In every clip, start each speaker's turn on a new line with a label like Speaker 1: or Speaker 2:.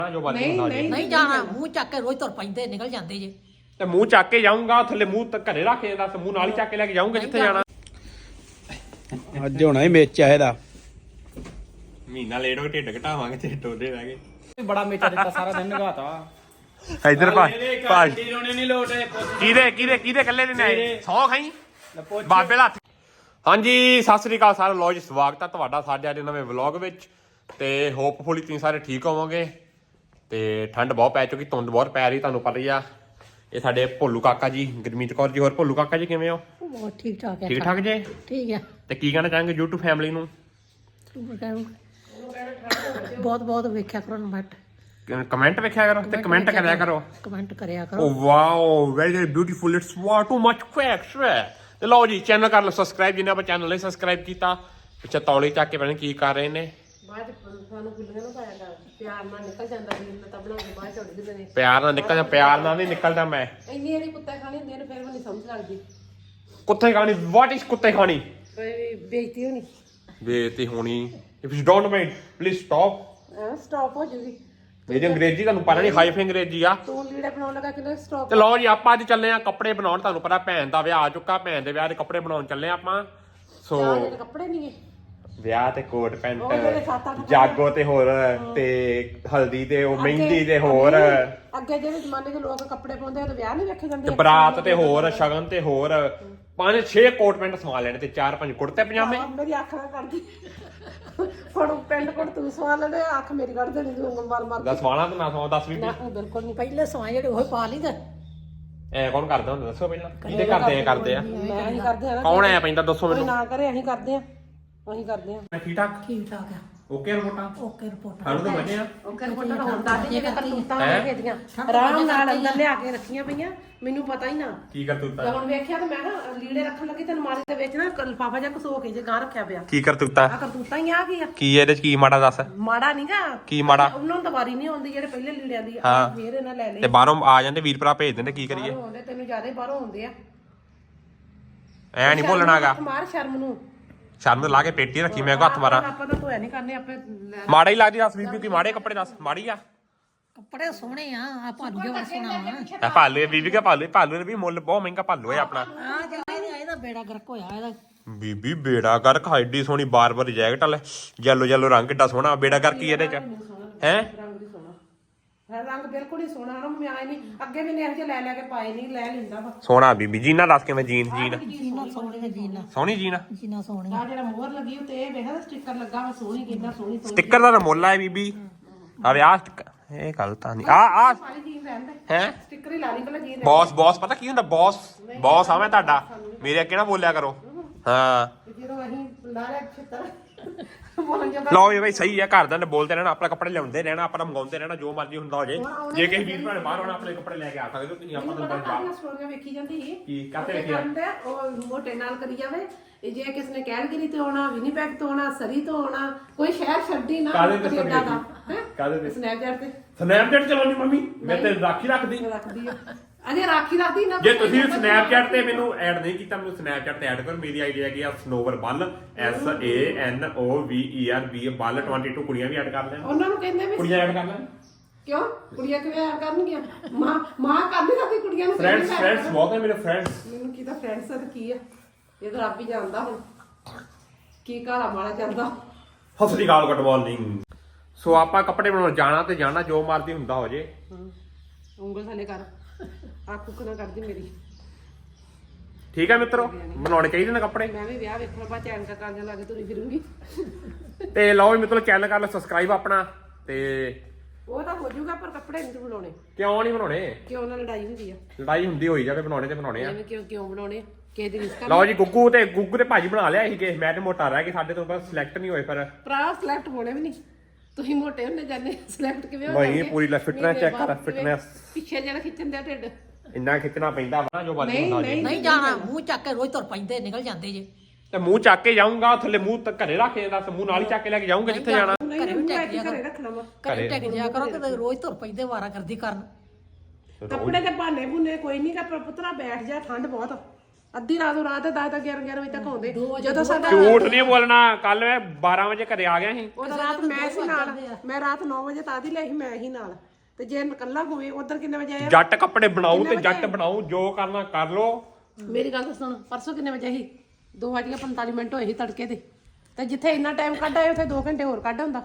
Speaker 1: ਨਹੀਂ ਜਾਣਾ ਮੂੰਹ ਚੱਕ ਕੇ ਰੋਜ਼ ਤੁਰ ਪੈਂਦੇ ਨਿਕਲ ਜਾਂਦੇ ਜੇ
Speaker 2: ਤੇ ਮੂੰਹ ਚੱਕ ਕੇ ਜਾਊਂਗਾ ਥੱਲੇ ਮੂੰਹ ਘਰੇ ਰੱਖ ਕੇ ਦੱਸ ਮੂੰਹ ਨਾਲ ਹੀ ਚੱਕ ਕੇ ਲੈ ਕੇ ਜਾਊਂਗਾ ਜਿੱਥੇ ਜਾਣਾ
Speaker 3: ਅੱਜ ਹੋਣਾ ਹੀ ਮੇਚ ਇਹਦਾ
Speaker 2: ਮਹੀਨਾ ਲੇਟ ਹੋ ਢਿੱਡ ਘਟਾਵਾਂਗੇ ਤੇ ਟੋਲੇ ਰਹਿ ਗਏ
Speaker 3: ਬੜਾ ਮੇਚਾ ਦਿੱਤਾ ਸਾਰਾ ਦਿਨ ਨਗਾਤਾ
Speaker 2: ਇਧਰ ਭਾਜੀ
Speaker 3: ਰੋਣੇ ਨਹੀਂ ਲੋਟੇ
Speaker 2: ਕਿਹਦੇ ਕੱਲੇ ਦੇ ਨੇ ਸੌ ਖਾਈ ਬਾਬੇ ਦਾ ਹੱਥ। ਹਾਂਜੀ ਸਤਿ ਸ੍ਰੀ ਅਕਾਲ ਸਾਰਿਆਂ ਨੂੰ ਜੀ ਸਵਾਗਤ ਹੈ ਤੁਹਾਡਾ ਸਾਡੇ ਅੱਜ ਨਵੇਂ ਵਲੌਗ ਵਿੱਚ ਤੇ ਹੋਪਫੁਲੀ ਤੁਸੀਂ ਸਾਰੇ ਠੀਕ ਹੋਵੋਗੇ ਤੇ ਠੰਡ ਬਹੁਤ ਪੈ ਚੁੱਕੀ ਧੁੰਦ ਬਹੁਤ ਪੈ ਰਹੀ ਤੁਹਾਨੂੰ ਪਤਾ ਹੀ ਆ। ਇਹ ਸਾਡੇ ਭੋਲੂ ਕਾਕਾ ਜੀ ਗੁਰਮੀਤ ਕੌਰ ਜੀ ਹੋਰ ਭੋਲੂ ਕਾਕਾ ਜੀ ਕਿਵੇਂ ਹੋ?
Speaker 1: ਬਹੁਤ ਠੀਕ ਠਾਕ ਹੈ
Speaker 2: ਠੀਕ ਠਾਕ ਜੀ
Speaker 1: ਠੀਕ ਹੈ
Speaker 2: ਤੇ ਕੀ ਕਹਿਣਾ ਚਾਹਾਂਗੇ YouTube ਫੈਮਿਲੀ ਨੂੰ?
Speaker 1: ਬਹੁਤ ਬਹੁਤ ਵੇਖਿਆ ਕਰੋ ਬਟ
Speaker 2: ਕਮੈਂਟ ਵੇਖਿਆ ਕਰੋ ਤੇ ਕਮੈਂਟ ਕਰਿਆ ਕਰੋ
Speaker 1: ਕਮੈਂਟ ਕਰਿਆ ਕਰੋ।
Speaker 2: Oh wow very beautiful it's what too much facts ਤੇ ਲਓ ਜੀ ਚੈਨਲ ਕਰ ਲਓ ਸਬਸਕ੍ਰਾਈਬ ਜਿੰਨਾ ਆਪਾਂ ਚੈਨਲ ਲਈ ਸਬਸਕ੍ਰਾਈਬ ਕੀਤਾ ਪਿੱਛੇ ਤੌਲੀ ਚੱਕ ਕੇ ਪਤਾ ਕੀ ਕਰ ਰਹੇ ਨੇ
Speaker 1: ਬਾਅਦ ਸਾਨੂੰ ਗੁੱਲੀਆਂ ਨੂੰ ਪਾਇਆ ਪਿਆਰ ਨਾਲ ਨਿਕਲ ਜਾਂਦਾ ਸੀ ਤਾਂ ਬਣਾ ਕੇ ਬਾਅਦ ਛੱਡ ਦਿੰਦੇ ਨੇ
Speaker 2: ਪਿਆਰ ਨਾਲ ਨਹੀਂ ਨਿਕਲਦਾ ਮੈਂ
Speaker 1: ਇੰਨੀ ਇਹਦੀ ਕੁੱਤੇ ਖਾਣੀ ਹੁੰਦੀ ਨੇ ਫਿਰ ਮੈਨੂੰ ਸਮਝ ਲੱਗਦੀ
Speaker 2: ਕੁੱਤੇ ਖਾਣੀ ਵਾਟ ਇਜ਼ ਕੁੱਤੇ ਖਾਣੀ
Speaker 1: ਬੇਇੱਜ਼ਤੀ ਹੋਣੀ
Speaker 2: ਬੇਇੱਜ਼ਤੀ ਹੋਣੀ if you don't mind please stop
Speaker 1: stop ਹੋ ਜੂਗੀ
Speaker 2: ਮੇਰੀ ਅੰਗਰੇਜ਼ੀ ਤੁਹਾਨੂੰ ਪਤਾ ਨਹੀਂ ਹਾਈ ਅੰਗਰੇਜ਼ੀ ਆ
Speaker 1: ਤੂੰ ਲੀੜੇ ਬਣਾਉਣ ਲੱਗਾ ਕਿੰਨਾ ਸਟਾਪ
Speaker 2: ਤੇ ਲਓ ਜੀ ਆਪਾਂ ਅੱਜ ਚੱਲੇ ਆ ਕੱਪੜੇ ਬਣਾਉਣ ਤੁਹਾਨੂੰ ਪਤਾ ਭੈਣ ਦਾ ਵਿਆਹ ਆ ਚੁੱਕਾ ਭੈਣ ਦੇ ਵਿਆਹ ਦੇ ਕੱਪੜੇ ਬਣਾਉਣ ਚੱਲੇ ਆਪਾਂ ਸੋ
Speaker 1: ਕੱਪੜੇ ਨਹੀਂ ਹੈ
Speaker 2: ਵਿਆਹ ਤੇ ਕੋਟ ਪੈਂਟ ਜਾਗੋ ਤੇ ਹੋਰ ਤੇ ਹਲਦੀ ਤੇ ਉਹ ਮਹਿੰਦੀ ਤੇ ਹੋਰ
Speaker 1: ਅੱਗੇ ਜਿਹੜੇ ਜ਼ਮਾਨੇ ਦੇ ਲੋਕ ਕੱਪੜੇ ਪਾਉਂਦੇ ਆ ਤੇ ਵਿਆਹ ਨਹੀਂ ਵੇਖੇ ਜਾਂਦੇ
Speaker 2: ਤੇ ਬਰਾਤ ਤੇ ਹੋਰ ਸ਼ਗਨ ਤੇ ਹੋਰ 5-6 ਕੋਟ ਪੈਂਟ ਸਵਾ ਲੈਣੇ ਤੇ 4-5 ਕੁੜਤੇ ਪਜਾਮੇ
Speaker 1: ਮੇਰੀ ਅੱਖ ਨਾ ਕਰਦੀ ਫੜੂ ਪੈਂਟ ਕੋਟ ਤੂੰ ਸਵਾ ਲੈਣੇ ਅੱਖ ਮੇਰੀ ਕੱਢ ਦੇਣੀ ਤੂੰ ਮਾਰ
Speaker 2: ਦੱਸ ਵਾਲਾ ਤੇ ਨਾ ਸਵਾ 10 ਵੀ
Speaker 1: ਬਿਲਕੁਲ ਨਹੀਂ ਪਹਿਲੇ ਸਵਾਏ ਜਿਹੜੇ ਉਹ ਪਾ ਲਈਦਾ
Speaker 2: ਐ ਕੌਣ ਕਰਦਾ ਹੁੰਦਾ ਦੱਸੋ ਪਹਿਲਾਂ ਕਿਹਦੇ ਕਰਦੇ ਆ
Speaker 1: ਮੈਂ ਅਸੀਂ ਕਰਦੇ ਆ
Speaker 2: ਕੌਣ ਐ ਪੈਂਦਾ ਦੱਸੋ ਮੈਨੂੰ
Speaker 1: ਨਾ ਕਰੇ ਅਸੀਂ ਕਰਦੇ ਆ ਅਸੀਂ ਕਰਦੇ ਆ
Speaker 2: ਠੀਕ ਠਾਕ
Speaker 1: ਠੀਕ ਠਾਕ ਆ
Speaker 2: ਓਕੇ ਰਿਪੋਰਟਾਂ
Speaker 1: ਓਕੇ ਰਿਪੋਰਟ
Speaker 2: ਸਾਨੂੰ ਤਾਂ ਬਣੇ ਆ
Speaker 1: ਓਕੇ ਰਿਪੋਰਟ ਹੁਣ ਦੱਸ ਦੇ ਜੇ ਕਰਤੂਤਾਂ ਵੇਖਦੀਆਂ ਆਰਾਮ ਨਾਲ ਅੰਦਰ ਲਿਆ ਕੇ ਰੱਖੀਆਂ ਪਈਆਂ ਮੈਨੂੰ ਪਤਾ ਹੀ ਨਾ
Speaker 2: ਕੀ ਕਰਤੂਤਾ
Speaker 1: ਹੁਣ ਵੇਖਿਆ ਤੇ ਮੈਂ ਨਾ ਲੀੜੇ ਰੱਖਣ ਲੱਗੀ ਤੇ ਅਲਮਾਰੀ ਦੇ ਵਿੱਚ ਨਾ ਲਿਫਾਫਾ ਜਿਹਾ ਘਸੋ ਕੇ ਜੇ ਗਾਂ ਰੱਖਿਆ ਪਿਆ
Speaker 2: ਕੀ ਕਰਤੂਤਾ
Speaker 1: ਆ ਕਰਤੂਤਾਂ ਹੀ ਆ ਕੀ ਆ
Speaker 2: ਕੀ ਇਹਦੇ ਚ ਕੀ ਮਾੜਾ ਦੱਸ
Speaker 1: ਮਾੜਾ ਨਹੀਂਗਾ
Speaker 2: ਕੀ ਮਾੜਾ
Speaker 1: ਉਹਨਾਂ ਨੂੰ ਤਾਂ ਵਾਰੀ ਨਹੀਂ ਆਉਂਦੀ ਜਿਹੜੇ ਪਹਿਲੇ ਲੀੜਿਆਂ ਦੀ ਫੇਰ ਇਹਨਾਂ ਲੈ ਲਈ
Speaker 2: ਤੇ ਬਾਹਰੋਂ ਆ ਜਾਂਦੇ ਵੀਰ ਭਰਾ ਭੇਜ ਦਿੰਦੇ ਕੀ ਕਰੀਏ
Speaker 1: ਆਉਂਦੇ ਤੈਨੂੰ ਜ਼ਿਆਦਾ ਬਾਹਰੋਂ ਆਉਂਦੇ ਆ
Speaker 2: ਐ ਨਹੀਂ ਭੁੱਲਣਾਗਾ
Speaker 1: ਮਾਰ ਸ਼ਰਮ ਨੂੰ
Speaker 2: ਸ਼ਰਮ ਲਾ ਕੇ ਪੇਟੀ ਰੱਖੀ ਮੈਂ ਕੋ ਹੱਥ ਮਾਰਾਂ
Speaker 1: ਆਪਾਂ ਤਾਂ ਧੋਇਆ ਨਹੀਂ ਕਰਨੇ ਆਪੇ
Speaker 2: ਮਾੜਾ ਹੀ ਲੱਗਦੀ ਦੱਸ ਬੀਬੀ ਕੀ ਮਾੜੇ ਕੱਪੜੇ ਦੱਸ ਮਾੜੀ ਆ
Speaker 1: ਕੱਪੜੇ ਸੋਹਣੇ ਆ ਭਾਲੂ ਜਿਹਾ ਸੋਹਣਾ
Speaker 2: ਆ ਭਾਲੂ ਬੀਬੀ ਕਾ ਭਾਲੂ ਨੇ ਵੀ ਮੁੱਲ ਬਹੁਤ ਮਹਿੰਗਾ ਭਾਲੂ ਹੈ ਆਪਣਾ
Speaker 1: ਆ ਜਿਹੜਾ ਇਹਦਾ ਬੇੜਾ ਗਰਕ ਹੋਇਆ ਇਹਦਾ
Speaker 2: ਬੀਬੀ ਬੇੜਾ ਕਰ ਖਾਈਡੀ ਸੋਹਣੀ ਬਾਰ ਜੈਕਟ ਵਾਲੇ ਯੈਲੋ ਰੰਗ ਕਿੱਡਾ ਸੋਹਣਾ ਬੇੜਾ ਕਰ ਕੀ ਇਹਦੇ ਚ ਹੈ
Speaker 1: ਰੰਗ ਦੀ ਸੋਹਣਾ ਰੰਗ ਬਿਲਕੁਲ ਹੀ ਸੋਹਣਾ ਨਾ ਮੈਂ ਆਏ ਨਹੀਂ ਅੱਗੇ ਵੀ ਨੇ ਇਹੋ ਜਿਹੇ ਲੈ ਕੇ ਪਾਏ ਨਹੀਂ ਲੈ ਲੈਂਦਾ ਵਾ
Speaker 2: ਸੋਹਣਾ ਬੀਬੀ ਜੀਨਾ ਦੱਸ ਕਿਵੇਂ ਜੀਨ
Speaker 1: ਜੀਨਾ ਸੋਹਣੀ ਜੀਨਾ
Speaker 2: ਸੋਹਣੀ ਜੀਨਾ
Speaker 1: ਸੋਹਣੀ ਆ ਜਿਹੜਾ ਮੋਹਰ ਲੱਗੀ ਉੱਤੇ ਇਹ ਵੇਖਦਾ ਸਟicker ਲੱਗਾ ਵਾ ਸੋਹਣੀ ਕਿੰਨਾ ਸੋਹਣੀ
Speaker 2: ਸਟicker ਦਾ ਮੁੱਲ ਹੈ ਬੀਬੀ ਆ ਵਿਆਹ ਇਹ ਗੱਲ ਤਾਂ ਨਹੀਂ ਆ
Speaker 1: ਸਾਰੀ ਜੀਨ ਰਹਿੰਦੇ
Speaker 2: ਹੈ
Speaker 1: ਸਟicker ਹੀ ਲਾ ਲਈ ਪਹਿਲਾਂ ਜੀਨ
Speaker 2: ਬੌਸ ਪਤਾ ਕੀ ਹੁੰਦਾ ਬੌਸ ਆ ਮੈਂ ਤੁਹਾਡਾ ਮੇਰੇ ਅੱਗੇ ਨਾ ਬੋਲਿਆ ਕਰੋ ਹਾਂ
Speaker 1: ਜਦੋਂ ਅਸੀਂ ਲਾ ਲਿਆ ਛਿੱਤਰ
Speaker 2: ਲਓ ਵੀ ਬਈ ਸਹੀ ਹੈ ਘਰਦਿਆਂ ਨੇ ਬੋਲਦੇ ਰਹਿਣਾ ਆਪਣਾ ਕੱਪੜੇ ਲਿਆਉਂਦੇ ਰਹਿਣਾ ਆਪਣਾ ਮੰਗਾਉਂਦੇ ਰਹਿਣਾ ਜੋ ਮਰਜ਼ੀ ਹੁੰਦਾ ਹੋ ਜੇ ਕਿਸੇ ਵੀਰ ਭਰਾ ਬਾਹਰ ਆਉਣਾ ਆਪਣੇ ਕੱਪੜੇ ਲੈ ਕੇ ਆ ਸਕਦੇ ਹੋ ਤੁਸੀਂ ਆਪਾਂ ਤੁਹਾਨੂੰ ਬਾਹਰ
Speaker 1: ਸਟੋਰੀਆਂ ਵੇਖੀ ਜਾਂਦੀ ਸੀ
Speaker 2: ਕੀ ਕਾਤੇ ਵੇਖਿਆ
Speaker 1: ਉਹ ਮੋਟੇ ਨਾਲ ਕਰੀ ਜਾਵੇ ਜੇ ਕਿਸ ਨੇ ਕੈਲਗਰੀ ਤੇ ਆਉਣਾ ਵਿਨੀਪੈਗ ਤੋਂ ਆਉਣਾ ਸਰੀ ਤੋਂ ਆਉਣਾ ਕੋਈ ਸ਼ਹਿਰ ਛੱਡੀ ਨਾ ਕੈਨੇਡਾ ਦਾ
Speaker 2: ਕਾਦੇ
Speaker 1: ਸਨੈਪਚੈਟ ਤੇ
Speaker 2: ਚਲਾਉਣੀ ਮੰਮੀ ਮੈਂ ਤੇ ਰਾਖੀ ਰੱਖਦੀ
Speaker 1: ਆ ਅਜੇ ਰਾਖੀ ਰੱਖਦੀ ਨਾ
Speaker 2: ਜੇ ਤੁਸੀਂ ਸਨੈਪਚੈਟ ਤੇ ਮੈਨੂੰ ਐਡ ਨਹੀਂ ਕੀਤਾ ਮੈਨੂੰ ਸਨੈਪਚੈਟ ਤੇ ਐਡ ਕਰੋ ਮੇਰੀ ਆਈਡੀ ਹੈਗੀ ਆ ਸਨੋਵਰ ਬੱਲ SANOVERB ਬੱਲ 22 ਕੁੜੀਆਂ ਵੀ ਐਡ ਕਰ ਲੈਣ
Speaker 1: ਉਹਨਾਂ ਨੂੰ ਕਹਿੰਦੇ ਵੀ
Speaker 2: ਕੁੜੀਆਂ ਐਡ ਕਰ ਲੈਣ
Speaker 1: ਕਿਉਂ ਕੁੜੀਆਂ ਕਿਵੇਂ ਐਡ ਕਰਨਗੀਆਂ ਮਾਂ ਕਰਦੀ ਸਾਡੀ ਕੁੜੀਆਂ ਨੂੰ
Speaker 2: ਫਰੈਂਡਸ ਬਹੁਤ ਹੈ ਮੇਰੇ ਫਰੈਂਡਸ
Speaker 1: ਮੈਨੂੰ ਕੀ ਤਾਂ ਫਰੈਂਡਸ ਤਾਂ ਕੀ ਆ ਇਹ ਤਾਂ ਰੱਬ ਹੀ ਜਾਣਦਾ ਹੁਣ ਕੀ ਕਾਲਾ ਮਾਲਾ ਚੱਲਦਾ
Speaker 2: ਸਤਿ ਸ੍ਰੀ ਅਕਾਲ ਗੁੱਡ ਮਾਰਨਿੰਗ ਸੋ ਆਪਾਂ ਕੱਪੜੇ ਬਣਾਉਣ ਜਾਣਾ ਤੇ ਜਾਣਾ ਜੋ ਮਰਜ਼ੀ ਹੁੰਦਾ ਹੋ ਜੇ
Speaker 1: ਉਂਗਲ ਥੱਲੇ ਕਰ ਅੱਖ ਉੱਕ ਨਾ ਕਰਦੀ ਮੇਰੀ
Speaker 2: ਠੀਕ ਹੈ ਮਿੱਤਰੋ ਬਣਾਉਣੇ ਚਾਹੀਦੇ ਨੇ ਕੱਪੜੇ
Speaker 1: ਮੈਂ ਵੀ ਵਿਆਹ ਵੇਖਣ ਬਾਅਦ ਚੈਨ ਕਰਨ ਲੱਗ ਤੁਰੀ ਫਿਰੂੰਗੀ
Speaker 2: ਤੇ ਲਓ ਮਿੱਤਰੋ ਚੈਨਲ ਕਰ ਲਓ ਸਬਸਕ੍ਰਾਈਬ ਆਪਣਾ ਤੇ
Speaker 1: ਉਹ ਤਾਂ ਹੋ ਜਾਊਗਾ ਪਰ ਕੱਪੜੇ ਨਹੀਂ ਬਣਾਉਣੇ
Speaker 2: ਕਿਉਂ ਨਹੀਂ ਬਣਾਉਣੇ
Speaker 1: ਕਿਉਂ ਨਾਲ ਲੜਾਈ ਹੁੰਦੀ ਆ
Speaker 2: ਲੜਾਈ ਹੁੰਦੀ ਹੋਈ ਜਾਵੇ ਬਣਾਉਣੇ ਤੇ ਬਣਾਉਣੇ ਆ
Speaker 1: ਐਵੇਂ ਕਿਉਂ ਬਣਾਉਣੇ ਕਿਸੇ ਦੀ ਰਿਸਕ
Speaker 2: ਲਓ ਜੀ ਗੁੱਗੂ ਤੇ ਭਾਜੀ ਬਣਾ ਲਿਆ ਸੀਗੇ ਮੈਂ ਤੇ ਮੋਟਾ ਰਹਿ ਗਿਆ ਸਾਡੇ ਤੋਂ ਬਸ ਸਿਲੈਕਟ ਨਹੀਂ ਹੋਏ ਪਰ
Speaker 1: ਭਰਾ ਸਿਲੈਕਟ ਹੋਣੇ ਵੀ ਨਹੀਂ ਤੁਸੀਂ ਮੋਟੇ ਹੁੰਦੇ ਜਾਂਦੇ ਸਿਲੈਕਟ ਕਿਵੇਂ ਹੋ
Speaker 2: ਨਹੀਂ ਪੂਰੀ ਫਿਟਨੈਸ ਚੈੱਕ ਕਰ ਫਿਟਨੈਸ
Speaker 1: ਪਿੱਛੇ ਜਿਹੜਾ ਖਿੱਚਣ ਦਾ ਢਿੱਡ
Speaker 2: ਇੰਨਾ ਖਿੱਚਣਾ ਪੈਂਦਾ ਵਾ ਜੋ ਬਾਜੀ ਹੁੰਦਾ ਜੀ
Speaker 1: ਨਹੀਂ ਜਾਣਾ ਮੂੰਹ ਚੱਕ ਕੇ ਰੋਜ਼ ਤੁਰ ਪੈਂਦੇ ਨਿਕਲ ਜਾਂਦੇ ਜੇ
Speaker 2: ਤੇ ਮੂੰਹ ਚੱਕ ਕੇ ਜਾਊਂਗਾ ਥੱਲੇ ਮੂੰਹ ਘਰੇ ਰੱਖ ਕੇ ਦੱਸ ਮੂੰਹ ਨਾਲ ਹੀ ਚੱਕ ਕੇ ਲੈ ਕੇ ਜਾਊਂਗਾ ਜਿੱਥੇ ਜਾਣਾ
Speaker 1: ਘਰੇ ਵੀ ਰੱਖਣਾ ਵਾ ਘਰੇ ਟੈਕ ਜਾ ਕਰੋ ਕਿ ਰੋਜ਼ ਤੁਰ ਪੈਂਦੇ ਵਾਰਾ ਕਰਦੀ ਕਰਨ ਕੱਪੜੇ ਤੇ ਬਹਾਨੇ ਬੁਨੇ ਕੋਈ ਨਹੀਂ ਕਾ ਪੁੱਤਰਾ ਬੈਠ ਜਾ ਠੰਡ ਬਹੁਤ ਅੱਧੀ ਰਾਤ ਨੂੰ ਰਾਤ 10 11 ਵਜੇ ਤੱਕ ਆਉਂਦੇ ਜਦੋਂ ਸਾਡਾ
Speaker 2: ਝੂਠ ਨਹੀਂ ਬੋਲਣਾ। ਕੱਲ ਮੈਂ 12 ਵਜੇ ਘਰੇ ਆ ਗਿਆ ਸੀ।
Speaker 1: ਉਹਦਾ ਰਾਤ ਮੈਂ ਸੀ ਨਾਲ, ਮੈਂ ਰਾਤ 9 ਵਜੇ ਤਾਂ ਦੀ ਲੈ ਸੀ, ਮੈਂ ਹੀ ਨਾਲ। ਤੇ ਜੇ ਇਕੱਲਾ ਹੋਵੇ ਉਧਰ ਕਿੰਨੇ ਵਜੇ ਆਇਆ?
Speaker 2: ਜੱਟ ਕੱਪੜੇ ਬਣਾਓ ਤੇ ਜੱਟ ਬਣਾਓ, ਜੋ ਕਰਨਾ ਕਰ ਲੋ।
Speaker 1: ਮੇਰੀ ਗੱਲ ਤਾਂ ਸੁਣ, ਪਰਸੋਂ ਕਿੰਨੇ ਵਜੇ ਸੀ? 2:45 ਹੋਏ ਸੀ ਤੜਕੇ ਦੇ। ਤੇ ਜਿੱਥੇ ਇੰਨਾ ਟਾਈਮ ਕੱਢ ਆਏ ਉੱਥੇ 2 ਘੰਟੇ ਹੋਰ ਕੱਢ ਹੁੰਦਾ।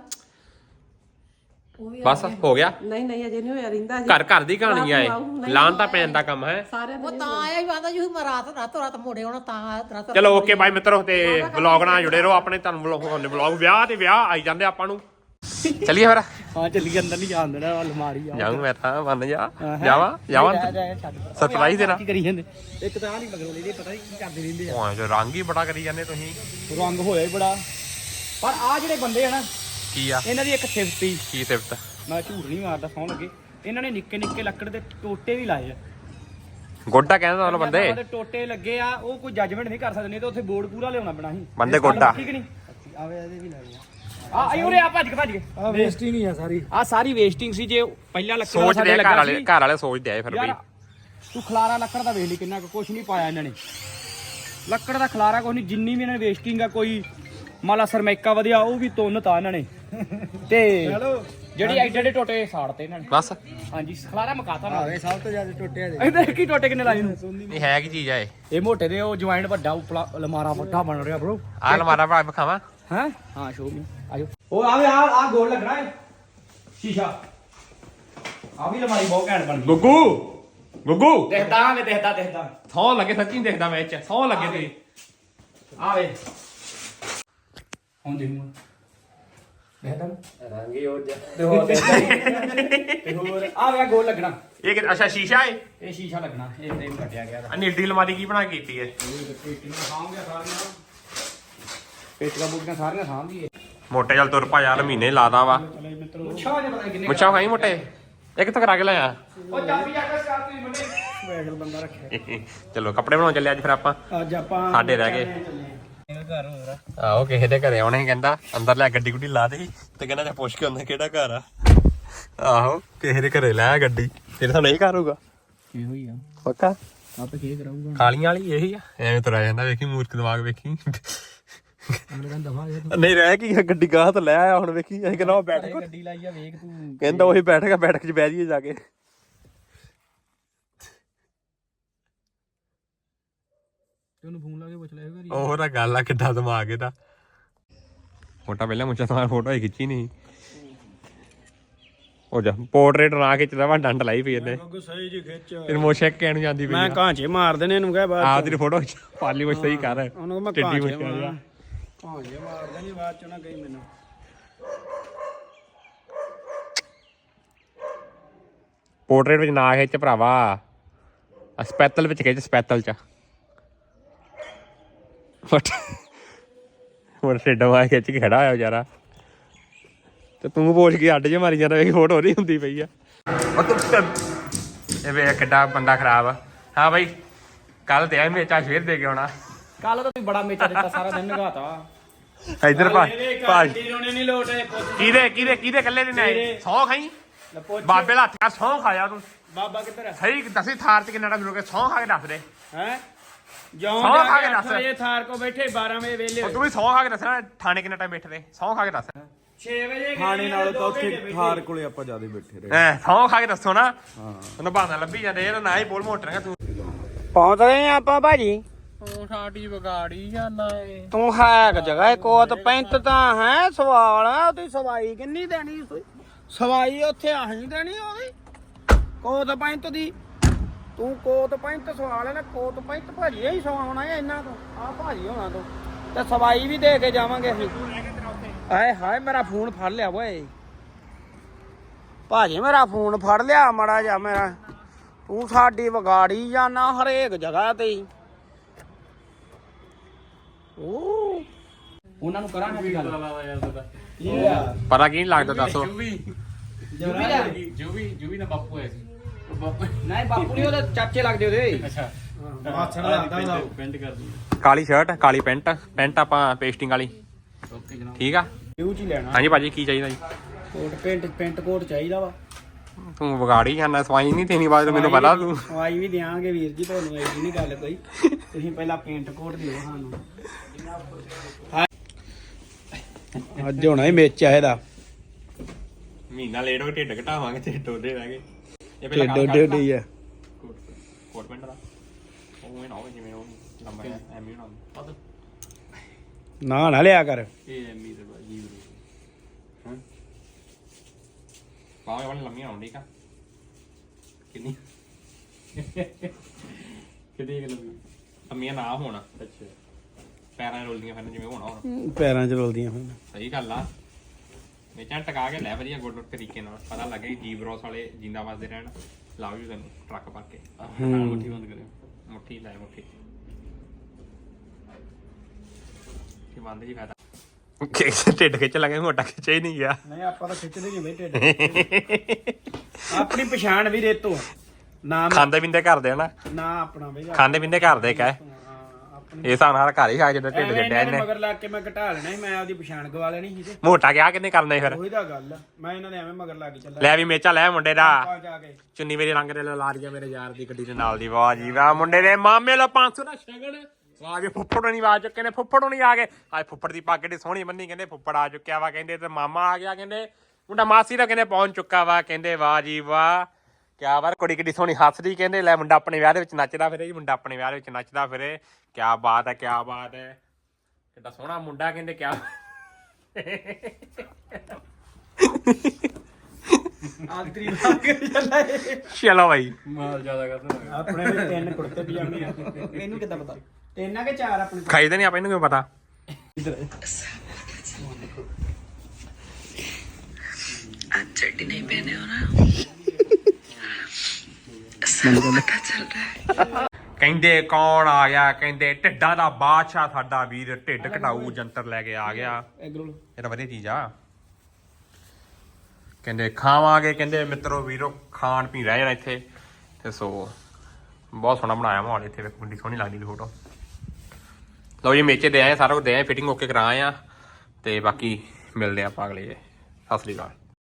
Speaker 2: ਬਸ ਹੋ ਗਿਆ?
Speaker 1: ਨਹੀਂ ਅਜੇ ਨਹੀਂ ਹੋਇਆ, ਰਹਿੰਦਾ
Speaker 2: ਘਰ ਘਰ ਦੀ ਕਹਾਣੀ ਆ ਇਹ, ਲਾਣ ਤਾਂ ਪੈਣ ਦਾ ਕੰਮ ਹੈ
Speaker 1: ਸਾਰਿਆਂ
Speaker 4: ਉਹ ਤਾਂ ਆਇਆ ਹੀ ਆਂਦਾ ਜੀ ਮੈਂ ਰਾਤ ਮੋੜੇ ਆਉਣਾ ਤਾਂ ਰਾਤ।
Speaker 2: ਚਲੋ ਓਕੇ ਬਾਈ ਮਿੱਤਰੋ, ਤੇ ਵਲੌਗ ਨਾਲ ਜੁੜੇ ਰਹੋ ਆਪਣੇ। ਤੁਹਾਨੂੰ ਵਲੌਗ ਵਿਆਹ ਤੇ ਵਿਆਹ ਆਈ ਜਾਂਦੇ ਆਪਾਂ ਨੂੰ। ਚੱਲੀਏ ਫਿਰ।
Speaker 3: ਹਾਂ ਚੱਲੀ ਅੰਦਰ ਨਹੀਂ ਜਾਣ ਦੇਣਾ, ਅਲਮਾਰੀ ਆ
Speaker 2: ਜਾਊਂ ਮੈਂ ਤਾਂ, ਮੰਨ ਜਾ ਜਾਵਾਂ ਸਰਪ੍ਰਾਈਜ਼ ਦੇਣਾ।
Speaker 3: ਕੀ ਕਰੀ ਜਾਂਦੇ ਇੱਕ ਤਾਂ ਨਹੀਂ ਮਗਰੋਂ ਲੈਦੇ, ਪਤਾ ਨਹੀਂ ਕੀ ਕਰਦੇ ਰਹਿੰਦੇ ਆ।
Speaker 2: ਓਏ ਜੋ ਰੰਗ ਹੀ ਬੜਾ ਕਰੀ ਜਾਂਦੇ ਤੁਸੀਂ।
Speaker 3: ਰੰਗ ਹੋਇਆ ਹੀ ਬੜਾ। ਪਰ ਆ ਜਿਹੜੇ ਬੰਦੇ ਆ ਨਾ,
Speaker 2: ਕੀ ਆ
Speaker 3: ਇਹਨਾਂ ਦੀ ਇੱਕ ਸਿਫਤੀ,
Speaker 2: ਕੀ ਸਿਫਤ?
Speaker 3: ਮੈਂ ਝੂਠ ਨਹੀਂ ਮਾਰਦਾ, ਸੌਣ ਲੱਗੇ ਇਹਨਾਂ ਨੇ ਨਿੱਕੇ ਨਿੱਕੇ ਲੱਕੜ ਦੇ ਟੋਟੇ ਵੀ ਲਾਏ ਆ।
Speaker 2: ਗੋਡਾ ਕਹਿੰਦਾ ਤੁਹਾਨੂੰ ਬੰਦੇ
Speaker 3: ਉਹਦੇ ਟੋਟੇ ਲੱਗੇ ਆ, ਉਹ ਕੋਈ ਜੱਜਮੈਂਟ ਨਹੀਂ ਕਰ ਸਕਦੇ, ਨਹੀਂ ਤਾਂ ਉੱਥੇ ਬੋਰਡ ਪੂਰਾ ਲਿਆਉਣਾ ਪੈਣਾ ਸੀ।
Speaker 2: ਬੰਦੇ ਗੋਡਾ
Speaker 3: ਠੀਕ ਨਹੀਂ ਆਵੇ ਇਹਦੇ ਵੀ ਲਾਏ ਆ। ਆ ਉਰੇ ਆ ਭੱਜ ਕੇ ਆ ਵੇਸਟਿੰਗ ਹੀ ਆ ਸਾਰੀ। ਆ ਸਾਰੀ ਵੇਸਟਿੰਗ ਸੀ। ਜੇ ਪਹਿਲਾਂ ਲੱਕੜ ਦਾ
Speaker 2: ਸੋਚਦੇ ਆ ਘਰ ਵਾਲੇ ਸੋਚਦੇ ਆ ਫਿਰ ਬਈ।
Speaker 3: ਤੂੰ ਖਲਾਰਾ ਲੱਕੜ ਦਾ ਵੇਖ ਲਈ ਕਿੰਨਾ ਕੁਛ ਨਹੀਂ ਪਾਇਆ ਇਹਨਾਂ ਨੇ। ਲੱਕੜ ਦਾ ਖਲਾਰਾ ਕੁਛ ਨਹੀਂ, ਜਿੰਨੀ ਵੀ ਇਹਨਾਂ ਨੇ ਵੇਸਟਿੰਗ ਆ, ਕੋਈ ਮਾਲਾ ਸਰਮੈਕਾ ਵਧਿਆ ਉਹ ਵੀ ਤੁੰਨ ਤਾ ਇਹਨਾਂ ਨੇ। ਤੇ ਜਿਹੜੀ ਐਡੇ ਟੋਟੇ ਸਾੜਤੇ ਇਹਨਾਂ ਨੇ
Speaker 2: ਬਸ।
Speaker 3: ਹਾਂਜੀ ਖਲਾਰਾ ਮਕਾਤਾ ਨਾ। ਆਵੇ ਸਭ ਤੋਂ ਜ਼ਿਆਦਾ ਟੋਟੇ ਆ ਦੇ। ਇਹਦੇ ਕੀ ਟੋਟੇ ਕਿੰਨੇ ਲਾਏ ਨੂੰ?
Speaker 2: ਇਹ ਹੈ ਕੀ ਚੀਜ਼ ਆ
Speaker 3: ਇਹ ਮੋਟੇ ਦੇ ਉਹ ਜੁਆਇੰਟ ਵੱਡਾ ਉਪਲਾ ਅਲਮਾਰਾ ਵੱਡਾ ਬਣ ਰਿਹਾ ਬ్రో।
Speaker 2: ਆ ਅਲਮਾਰਾ ਭਾ ਵਿਖਾਵਾਂ?
Speaker 3: ਹੈ ਹਾਂ ਸ਼ੋ ਮੀ ਆਜੋ। ਉਹ ਆਵੇ ਆ ਗੋਲ ਲੱਗਣਾ ਹੈ ਸ਼ੀਸ਼ਾ। ਆ ਵੀ ਅਲਮਾਰੀ ਬਹੁਤ ਘੈਂਟ ਬਣ ਗਈ।
Speaker 2: ਗੁੱਗੂ
Speaker 3: ਦੇਖਦਾ
Speaker 2: ਸੌ ਲੱਗੇ, ਸੱਚੀ ਦੇਖਦਾ ਮੈਂ ਚ ਸੌ ਲੱਗੇ ਤੇਰੀ।
Speaker 3: ਆਵੇ ਹੁਣ ਦੇਖੂਗਾ ਦੇਖਦਾ ਰੰਗ ਹੀ ਹੋ ਜਾ ਤੇ ਹੋਰ ਆਵੇ ਗੋਲ ਲੱਗਣਾ।
Speaker 2: ਇਹ ਅੱਛਾ ਸ਼ੀਸ਼ਾ ਏ?
Speaker 3: ਇਹ ਸ਼ੀਸ਼ਾ ਲੱਗਣਾ, ਇਹ ਫਰੇਮ ਕੱਟਿਆ ਗਿਆ ਦਾ।
Speaker 2: ਨੀਡੀ ਅਲਮਾਰੀ ਕੀ ਬਣਾ ਕੇ ਕੀਤੀ ਏ?
Speaker 3: ਪੇਟੀਆਂ ਸਾਂਭ ਗਿਆ ਸਾਰੀਆਂ, ਪੇਟੀਆਂ ਬੂਟੀਆਂ ਸਾਰੀਆਂ ਸਾਂਭ ਗਈ।
Speaker 2: ਮੋਟੇ ਚੱਲ ਤੁਰ ਪਾ ਯਾਰ, ਮਹੀਨੇ ਲਾਦਾ ਵਾ।
Speaker 3: ਮੁੱਛਾਂ ਜੇ ਪਤਾ ਨਹੀਂ ਕਿੰਨੇ
Speaker 2: ਮੁੱਛਾਂ ਖਾਈ ਮੋਟੇ, ਇੱਕ ਤਾਂ ਕਰਾ ਕੇ ਲਿਆ।
Speaker 3: ਉਹ ਚਾਬੀ ਜਾ ਕੇ ਸਟਾਰਟ ਨਹੀਂ ਬੰਦੇ ਵੈਗਲ ਬੰਦਾ ਰੱਖਿਆ।
Speaker 2: ਚਲੋ ਕੱਪੜੇ ਬਣਾਉਣ ਚੱਲੇ ਅੱਜ ਫਿਰ ਆਪਾਂ।
Speaker 3: ਅੱਜ ਆਪਾਂ
Speaker 2: ਸਾਡੇ ਰਹਿ ਗਏ।
Speaker 3: ਘਰ ਹੋਰਾ
Speaker 2: ਆਹੋ ਕਿਸੇ ਦੇ ਘਰੇ ਆਉਣੇ, ਕਹਿੰਦਾ ਅੰਦਰ ਲੈ ਗੱਡੀ ਗੁੱਡੀ ਲਾ ਦੇ, ਤੇ ਕਹਿੰਦਾ ਜਾ ਪੁੱਛ ਕੇ ਆਉਂਦਾ ਕਿਹੜਾ ਘਰ ਆ। ਆਹੋ ਕਿਸੇ ਦੇ ਘਰੇ ਲੈ ਗੱਡੀ, ਤੇਰੇ ਤਾਂ ਨਹੀਂ ਘਰ ਹੋਊਗਾ।
Speaker 3: ਇਹੋ ਹੀ ਆ
Speaker 2: ਪੱਕਾ
Speaker 3: ਆਪੇ ਕੀ ਕਰਾਊਗਾ।
Speaker 2: ਕਾਲੀਆਂ ਵਾਲੀ ਇਹੀ ਆ, ਐਵੇਂ ਤੁਰਿਆ ਜਾਂਦਾ। ਵੇਖੀ ਮੂਰਖ ਦਿਮਾਗ ਵੇਖੀ।
Speaker 3: ਅਗਲੇ ਕਹਿੰਦਾ ਦਫਾ
Speaker 2: ਨਹੀਂ ਰਹਿ ਕੀ ਗੱਡੀ ਗਾਹ ਤੋਂ ਲੈ ਆਇਆ ਹੁਣ। ਵੇਖੀ ਅਸੀਂ ਕਹਿੰਦਾ ਉਹ ਬੈਠ
Speaker 3: ਗੱਡੀ ਲਾਈ ਆ ਵੇਖ ਤੂੰ।
Speaker 2: ਕਹਿੰਦਾ ਉਹੀ ਬੈਠੇਗਾ, ਬੈਠਕ ਚ ਬਹਿ ਜਾਈਏ ਜਾ ਕੇ।
Speaker 3: ਤੈਨੂੰ ਫੋਨ ਲਾ ਕੇ ਪੁੱਛ ਲਿਆ ਘਰੀ।
Speaker 2: ਉਹ ਤਾਂ ਗੱਲ ਆ, ਕਿੱਦਾਂ ਦਿਮਾਗ ਇਹਦਾ। ਫੋਟਾ ਪਹਿਲਾਂ ਮੁੱਛਾਂ ਤੋਂ ਫੋਟੋ ਹੀ ਖਿੱਚੀ ਨਹੀਂ। ਹੋ ਜਾ ਪੋਰਟਰੇਟ ਨਾ ਖਿੱਚਦਾ ਵਾ, ਡੰਡ ਲਾਈ ਪਈ ਇਹਨੇ।
Speaker 3: ਸਹੀ ਜੀ ਖਿੱਚ।
Speaker 2: ਤੇਰੀ ਮੁੱਛ ਇੱਕ ਕਹਿਣ ਜਾਂਦੀ ਪਈ।
Speaker 3: ਮੈਂ ਕਾਂਚੇ ਮਾਰ ਦੇਣੇ ਇਹਨੂੰ ਕਹਿ ਬਾਅਦ
Speaker 2: ਆ ਤੇਰੀ ਫੋਟੋ ਪਾਲੀ ਮੁੱਛ ਸਹੀ ਕਰ।
Speaker 3: ਉਹਨੂੰ ਮੈਂ
Speaker 2: ਟਿੱਡੀ ਮੁੱਛ
Speaker 3: ਕਾਂਚੇ ਮਾਰ ਦੇਣੀ ਬਾਅਦ ਚ ਨਾ ਕਹੀ ਮੈਨੂੰ।
Speaker 2: ਪੋਰਟਰੇਟ ਵਿੱਚ ਨਾ ਖਿੱਚ ਭਰਾਵਾ, ਸਪੈਤਲ ਵਿੱਚ ਖਿੱਚ, ਸਪੈਤਲ ਚ। ਹੁਣ ਛੇਡਾ ਮਾਰ ਖਿੱਚ ਕੇ ਖੜਾ ਹੋਇਆ ਵਿਚਾਰਾ, ਤੇ ਤੂੰ ਪੁੱਛ ਕੇ ਅੱਡ ਜੇ ਮਾਰੀ ਜਾਂਦਾ। ਵੇਖ ਫੋਟੋ ਨਹੀਂ ਹੁੰਦੀ ਪਈ ਆ। ਇਹ ਵੇ ਕਿੱਡਾ ਬੰਦਾ ਖਰਾਬ ਆ। ਹਾਂ ਬਾਈ ਕੱਲ ਤੇ ਆ ਮੇਚਾ ਫੇਰ ਦੇ ਕੇ ਆਉਣਾ।
Speaker 3: ਕੱਲ ਤਾਂ ਤੂੰ ਬੜਾ ਮੇਚਾ ਦਿੱਤਾ, ਸਾਰਾ ਦਿਨ ਨਗਾਤਾ।
Speaker 2: ਇੱਧਰ ਭਾਜੀ
Speaker 3: ਰੋਣੇ ਨਹੀਂ ਲੋਟੇ।
Speaker 2: ਕਿਹਦੇ ਕੱਲੇ ਦੇ ਨੇ? ਸੌ ਖਾਈ ਬਾਬੇ ਦਾ ਹੱਥ, ਸੌ ਖਾਇਆ ਤੂੰ।
Speaker 3: ਬਾਬਾ ਕਿੱਧਰ ਹੈ?
Speaker 2: ਸਹੀ ਦੱਸੀ ਥਾਰ ਚ ਕਿੰਨਾ ਟਾਈਮ ਰੁਕੇ? ਸੌ ਖਾ ਕੇ ਦੱਸ ਦੇ।
Speaker 3: ਹੈ ਜੌਂ
Speaker 2: ਸਹੁੰ ਖਾ ਕੇ
Speaker 3: ਜਾ
Speaker 2: ਦੱਸ।
Speaker 3: ਕੇ 8 ਵਜੇ ਥਾਰ ਕੋ ਬੈਠੇ 12 ਵਜੇ ਵੇਲੇ
Speaker 2: ਤੂੰ ਵੀ ਸੌ ਖਾ ਕੇ ਦੱਸਣਾ। ਥਾਣੇ ਕਿੰਨਾ ਟਾਈਮ ਬੈਠੇ? ਸੌ ਖਾ ਕੇ ਦੱਸ।
Speaker 3: 6 ਵਜੇ
Speaker 5: ਖਾਣੇ ਨਾਲੋਂ ਤਾਂ ਉੱਥੇ ਥਾਰ ਕੋਲੇ ਆਪਾਂ ਜਿਆਦਾ ਬੈਠੇ ਰਹੇ।
Speaker 2: ਐ ਸੌ ਖਾ ਕੇ ਦੱਸੋ ਨਾ। ਉਹਨੂੰ ਬਹਾਨਾ ਲੱਭੀ ਜਾਂਦੇ ਇਹ ਨਾ ਹੀ ਬੋਲ ਮੋਟਰ ਤੂੰ।
Speaker 3: ਪਹੁੰਚ ਗਏ ਆਪਾਂ ਭਾਜੀ।
Speaker 2: ਤੂੰ ਸਾਡੀ ਵਿਗਾੜੀ ਜਾਂਦਾ ਏ।
Speaker 3: ਤੂੰ ਹੈ ਜਗ੍ਹਾ ਕੋਤ ਪੈਂਟ ਤਾਂ ਹੈ ਸਵਾਲ ਆ। ਉਹਦੀ ਸਵਾਈ ਕਿੰਨੀ ਦੇਣੀ? ਸਵਾਈ ਉੱਥੇ ਆਹੀ ਦੇਣੀ ਉਹਦੀ ਕੋਤ ਪੈਂਟ ਦੀ। ਤੂੰ ਕੋਤ ਪੈਂਟ ਸਵਾਲ ਹੈ ਨਾ। ਕੋਤ ਪੈਂਟ ਭਾਜੀ ਹੀ ਸਵਾਉਣਾ ਹੈ ਇਹਨਾਂ ਤੋਂ। ਆ ਭਾਜੀ ਹੋਣਾ ਤੋਂ ਤੇ ਸਵਾਈ ਵੀ ਦੇ ਕੇ ਜਾਵਾਂਗੇ ਅਸੀਂ। ਆਏ ਹਾਏ ਮੇਰਾ ਫੋਨ ਫੜ ਲਿਆ ਓਏ ਭਾਜੀ, ਮੇਰਾ ਫੋਨ ਫੜ ਲਿਆ ਮੜਾ ਜਾ ਮੇਰਾ। ਤੂੰ ਸਾਡੀ ਵਿਗਾੜੀ ਜਾਣਾ ਹਰੇਕ ਜਗ੍ਹਾ ਤੇ ਹੀ। ਉਹਨਾਂ ਨੂੰ ਕਰਾਂਗੇ ਗੱਲ।
Speaker 2: ਪਤਾ ਕੀ ਨੀ ਲੱਗਦਾ ਦੱਸੋ?
Speaker 3: ਜੂਵੀ ਨਾ ਬਾਪੂ ਹੈ ਸੀ। ਨਹੀਂ ਬਾਪੂ ਨਹੀਂ, ਉਹਦੇ ਚਾਚੇ ਲੱਗਦੇ ਉਹਦੇ। ਅੱਛਾ ਮਾਛੜ ਲੱਗਦਾ ਉਹਦਾ। ਪੈਂਟ ਕਰ ਦੂੰ।
Speaker 2: ਕਾਲੀ ਸ਼ਰਟ ਕਾਲੀ ਪੈਂਟ ਆਪਾਂ ਪੇਸਟਿੰਗ ਵਾਲੀ।
Speaker 3: ਓਕੇ ਜਨਾਬ।
Speaker 2: ਠੀਕ ਆ।
Speaker 3: ਯੂ ਚ ਹੀ ਲੈਣਾ।
Speaker 2: ਹਾਂਜੀ ਭਾਜੀ ਕੀ ਚਾਹੀਦਾ ਜੀ?
Speaker 3: ਕੋਟ ਪੈਂਟ ਕੋਟ ਚਾਹੀਦਾ ਵਾ।
Speaker 2: ਤੂੰ ਵਿਗਾੜੀ ਜਾਂਦਾ ਸਵਾਈ ਨਹੀਂ ਤੇਰੀ ਆਵਾਜ਼ ਮੈਨੂੰ ਪਤਾ ਤੂੰ
Speaker 3: ਸਵਾਈ ਵੀ ਦਿਆਂਗੇ ਵੀਰ ਜੀ ਤੁਹਾਨੂੰ ਐਡੀ ਨਹੀਂ ਗੱਲ ਕੋਈ ਤੁਸੀਂ ਪਹਿਲਾਂ ਪੇਂਟ ਕੋਟ ਦਿਓ ਸਾਨੂੰ ਅੱਜ ਹੋਣਾ ਹੀ ਮੇਚ ਆ ਇਹਦਾ
Speaker 2: ਮਹੀਨਾ ਲੇਟ ਹੋ ਕੇ ਢਿੱਡ ਘਟਾਵਾਂਗੇ ਤੇ ਟੋਡੇ ਰਹਿ ਗਏ ਇਹ
Speaker 3: ਢਿੱਡ ਹੀ ਆ
Speaker 2: ਕੋਟ ਪੈਂਟ ਦਾ ਉਹ ਇਹ ਨਾ ਹੋਵੇ ਜਿਵੇਂ ਉਹ ਲੰਬਾ ਐਮੀ ਹੋਣਾ ਪਤਾ
Speaker 3: ਨਾ ਲਿਆ ਕਰ
Speaker 2: ਇਹ ਐਮੀ ਦੇ ਬਾਜੀ ਹਾਂ ਬਾਹਾਂ ਵਾਲੀ ਲੰਮੀਆਂ ਹੋਣ ਠੀਕ ਆ ਕਿੰਨੀ ਕਿੰਨੀ ਲੰਮੀਆਂ ਨਾ ਹੋਣਾ ਅੱਛਾ ਪੈਰਾਂ ਰੋਲਦੀਆਂ ਫਿਰ ਜਿਵੇਂ ਹੋਣਾ ਹੁਣ
Speaker 3: ਪੈਰਾਂ 'ਚ ਰੋਲਦੀਆਂ ਹੁਣ
Speaker 2: ਸਹੀ ਗੱਲ ਆ ਮੇਚਾਂ ਟਕਾ ਕੇ ਲੈ ਵਧੀਆ ਗੁੱਡ ਤਰੀਕੇ ਨਾਲ ਪਤਾ ਲੱਗੇ ਜੀਵ ਰੋਸ ਵਾਲੇ ਜਿੰਦਾ ਵੱਸਦੇ ਰਹਿਣ ਲਾਓ ਜੀ ਤੈਨੂੰ ਟਰੱਕ ਭਰ ਕੇ ਮੁੱਠੀ ਬੰਦ ਕਰਿਓ ਮੁੱਠੀ ਲੈ ਮੁੱਠੀ ਕੀ ਬੰਦ ਜੀ ਫਾਇਦਾ ਢਿੱਡ ਖਿੱਚ ਲਾਂਗੇ ਮੋਟਾ ਖਿੱਚਿਆ ਹੀ ਨਹੀਂ ਗਿਆ
Speaker 3: ਨਹੀਂ ਆਪਾਂ ਤਾਂ ਖਿੱਚਦੇ ਨਹੀਂ ਬਈ ਢਿੱਡ ਆਪਣੀ ਪਛਾਣ ਵੀ ਰੇਤੋ ਨਾ
Speaker 2: ਖਾਂਦੇ ਪੀਂਦੇ ਕਰਦੇ ਨਾ
Speaker 3: ਨਾ ਆਪਣਾ ਬਈ
Speaker 2: ਖਾਂਦੇ ਪੀਂਦੇ ਕਰਦੇ ਕਹਿ ਇਹ ਹਿਸਾਬ ਨਾਲ ਘਰ ਹੀ ਖਾ ਜਦੋਂ ਢਿੱਡ ਛੱਡਿਆ ਇਹਨੇ
Speaker 3: ਮਗਰ ਲੱਗ ਕੇ ਮੈਂ ਘਟਾ ਲੈਣਾ ਸੀ ਮੈਂ ਆਪਦੀ ਪਛਾਣ ਗਵਾ ਲੈਣੀ ਸੀ ਤੇ
Speaker 2: ਮੋਟਾ ਗਿਆ ਕਿੰਨੇ ਕਰਨਾ ਫਿਰ
Speaker 3: ਉਹੀ ਤਾਂ ਗੱਲ ਆ ਮੈਂ ਇਹਨਾਂ ਦੇ ਐਵੇਂ ਮਗਰ ਲੱਗ ਕੇ ਚੱਲਾ
Speaker 2: ਲੈ ਵੀ ਮੇਚਾ ਲੈ ਮੁੰਡੇ ਦਾ
Speaker 3: ਆ ਜਾ ਕੇ
Speaker 2: ਚੁੰਨੀ ਮੇਰੀ ਰੰਗ ਦੇ ਲਾ ਰਹੀ ਮੇਰੇ ਯਾਰ ਦੀ ਗੱਡੀ ਦੇ ਨਾਲ ਦੀ ਵਾਹ ਜੀ ਵਾਹ ਮੁੰਡੇ ਦੇ ਮਾਮੇ ਲੋ 500 ਦਾ ਸ਼ਗਨ ਆ ਗਏ ਫੁੱਫੜ ਨਹੀਂ ਆ ਚੁੱਕੇ ਨੇ ਫੁੱਫੜ ਨਹੀਂ ਆ ਗਏ ਅੱਜ ਫੁੱਫੜ ਦੀ ਪੱਗ ਏਡੀ ਸੋਹਣੀ ਬੰਨੀ ਕਹਿੰਦੇ ਫੁੱਫੜ ਆ ਚੁੱਕਿਆ ਵਾ ਕਹਿੰਦੇ ਤੇ ਮਾਮਾ ਆ ਗਿਆ ਕਹਿੰਦੇ ਮੁੰਡਾ ਮਾਸੀ ਦਾ ਕਹਿੰਦੇ ਪਹੁੰਚ ਚੁੱਕਾ ਵਾ ਕਹਿੰਦੇ ਵਾਹ ਜੀ ਵਾਹ ਕਿਆ ਵਾਰ ਕੁੜੀ ਕਿੱਡੀ ਸੋਹਣੀ ਹੱਸਦੀ ਕਹਿੰਦੇ ਲੈ ਮੁੰਡਾ ਆਪਣੇ ਵਿਆਹ ਦੇ ਵਿੱਚ ਨੱਚਦਾ ਫਿਰੇ ਜੀ ਮੁੰਡਾ ਆਪਣੇ ਵਿਆਹ ਦੇ ਵਿੱਚ ਨੱਚਦਾ ਫਿਰੇ ਕਿਆ ਬਾਤ ਹੈ ਕਿਆ ਬਾਤ ਹੈ ਕਿੱਡਾ ਸੋਹਣਾ ਮੁੰਡਾ ਕਹਿੰਦੇ ਕਿਆ
Speaker 3: ਆਂਤਰੀ ਲੱਗ ਕੇ ਚੱਲਾ
Speaker 2: ਚਲੋ ਭਾਈ
Speaker 5: ਮਾਲ ਜ਼ਿਆਦਾ ਕਰਦਾ
Speaker 3: ਆਪਣੇ ਵੀ 3 ਕੁੜਤੇ ਪਜਾਮੇ ਆ ਇਹਨੂੰ ਕਿੱਦਾਂ ਪਤਾ 3 ਆ ਕਿ 4 ਆਪਣੇ
Speaker 2: ਖਾਈਦੇ ਨਹੀਂ ਆਪਾਂ ਇਹਨੂੰ ਕਿਉਂ ਪਤਾ
Speaker 6: आज चड्डी नहीं पहने हो ना सब पता चल रहा है
Speaker 2: ਕਹਿੰਦੇ ਕੌਣ ਆ ਗਿਆ ਕਹਿੰਦੇ ਢਿੱਡਾਂ ਦਾ ਬਾਦਸ਼ਾਹ ਸਾਡਾ ਵੀਰ ਢਿੱਡ ਘਟਾਊ ਜੰਤਰ ਲੈ ਕੇ ਆ ਗਿਆ
Speaker 3: ਐਗਰੋਲ
Speaker 2: ਇਹ ਤਾਂ ਵਧੀਆ ਚੀਜ਼ ਆ ਕਹਿੰਦੇ ਖਾਵਾਂਗੇ ਕਹਿੰਦੇ ਮਿੱਤਰੋ ਵੀਰੋ ਖਾਣ ਪੀ ਰਹਿ ਜਾਣਾ ਇੱਥੇ ਤੇ ਸੋ ਬਹੁਤ ਸੋਹਣਾ ਬਣਾਇਆ ਮਾਹੌਲ ਇੱਥੇ ਵੇਖੋ ਕਿੰਨੀ ਸੋਹਣੀ ਲੱਗਦੀ ਫੋਟੋ ਲਓ ਜੀ ਮੇਚੇ ਦੇ ਆਏ ਸਾਰਾ ਕੁਝ ਦੇ ਆਏ ਫਿਟਿੰਗ ਓਕੇ ਕਰਾ ਆਏ ਆ ਤੇ ਬਾਕੀ ਮਿਲਦੇ ਆਪਾਂ ਅਗਲੇ ਸਤਿ ਸ੍ਰੀ ਅਕਾਲ